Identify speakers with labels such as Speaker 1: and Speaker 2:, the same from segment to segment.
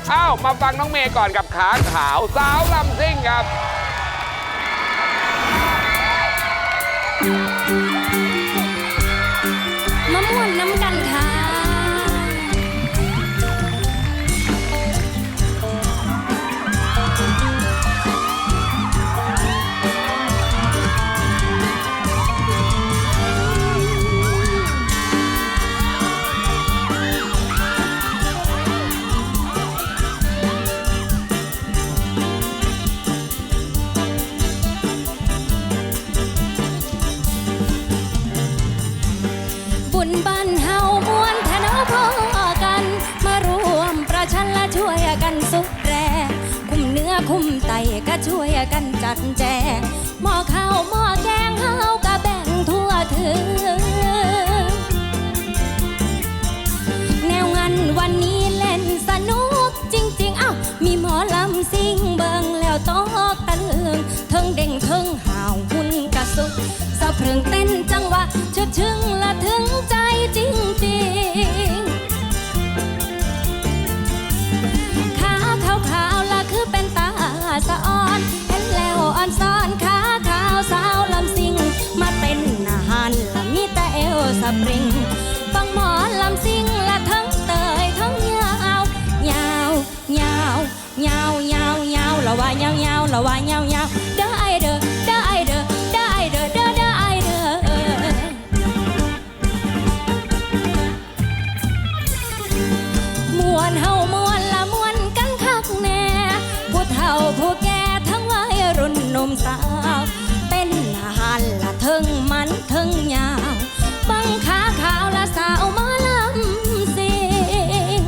Speaker 1: อ้าวมาฟังน้องเมย์ก่อนกับขาขาวสาวลำซิ่งครับ
Speaker 2: มะม่วนน้ำกันค่ะบุญบ้านเฮามวนแทนเอาพ่อกันมารวมประชันและช่วยกันสุดแรงคุมเนื้อคุมไตก็ช่วยกันจัดแจงหม้อข้าวหม้อแกงเฮาก็แบ่งทั่วถึงแนวงานวันนี้เล่นสนุกจริงๆมีหมอลำซิ่งเบิ่งแล้วตอกตะลึงเทิงเด้งเทิงห่าวหุ่นกระสุกสะพรึงเต้นจังหวะชึกชึงละถึงใจจริงๆขาขาวๆละคือเป็นตาสะอ่อนเห็นแล้วอ่อนซ้อนขาขาวสาวลำซิ่งมาเต้นอาหารละมีแต่เอวสปริงฟังหมอลำซิ่งละทั้งเตยทั้งยาวยาวยาวยาวยาวยาวละว่ายาวยาวละว่ายาวยาวเด้อไอเด้อเด้อไอเด้อเด้อไอเด้อเด้อเด้อไอเด้อมวนเฮามวนละมวนกันคักแน่ผู้เฒ่าผู้แก่ทั้งวัยรุ่นหนุ่มสาวเต้นอาหารละเทิงมันเทิงยาวบังขาขาวละสาวมาลำซิ่ง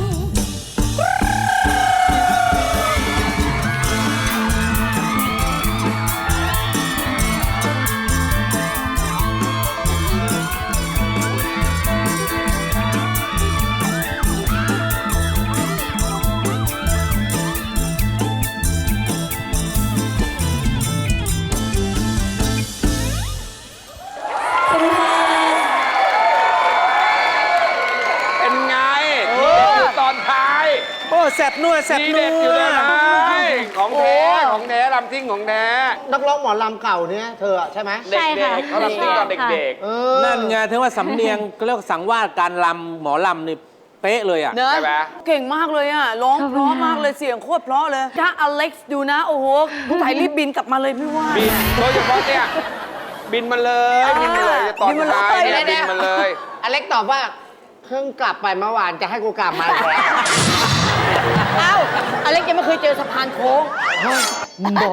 Speaker 1: เป็นไงทีเด็ดอยู่ตอนท้าย
Speaker 3: โอ้แสบนัวแสบ
Speaker 1: ที
Speaker 3: นั
Speaker 1: เด็ดอยู่
Speaker 3: ว
Speaker 1: เลยของแท้ของแท้ลำซิ่งของแท้
Speaker 4: นักร้องหมอลำเก่าเนี่ยเธอใช่ไหม
Speaker 1: เด็กๆเขาลำซิ่งตอนเด็ก
Speaker 3: นั่นไงถึงว่าสำเนียงเรียกว่าสังวาสการลำหมอลำนี่เป๊ะเลยอ่ะ
Speaker 5: เนอะ
Speaker 1: ใช่ไหม
Speaker 5: เก่งมากเลยอ่ะร้องเพราะมากเลยเสียงโคตรเพราะเลยถ้าอเล็กซ์ดูนะ โอ้โหผู้ถ่ายรีบบินกลับมาเลยพี่ว่า
Speaker 1: บินโดยเฉพาะเนี่ยบินมาเลยบินมาเลยตอน
Speaker 5: บินมาเลย
Speaker 1: ท้ายเนี่ยบินมาเลย
Speaker 4: อเล็กตอบว่าเพิ่งกลับไปเมื่อวานจะให้กูกลับมาอีกแล้ว
Speaker 5: เอ้าอเล็กซ์ยังไม่เคยเจอสะพานโค้ง
Speaker 4: บ่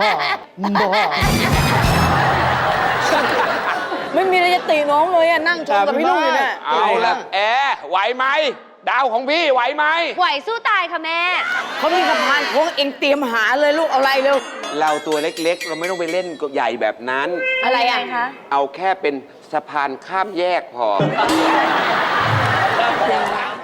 Speaker 5: ไม่มีอะไรจะตีน้องเลยอ่ะนั่งชมกับพี่ลุงอยู่เนี่ย
Speaker 1: เอาละแอร์ไหวไหมดาวของพี่ไหวไหม
Speaker 2: ไหวสู้ตายค่ะแม่
Speaker 5: เขามีสะพานโค้งเองเตรียมหาเลยลูกเอาอะไรเร็ว
Speaker 1: เราตัวเล็กๆ เราไม่ต้องไปเล่นใหญ่แบบนั้น
Speaker 5: อะไรอ่ะ
Speaker 1: เอาแค่เป็นสะพานข้ามแยกพอ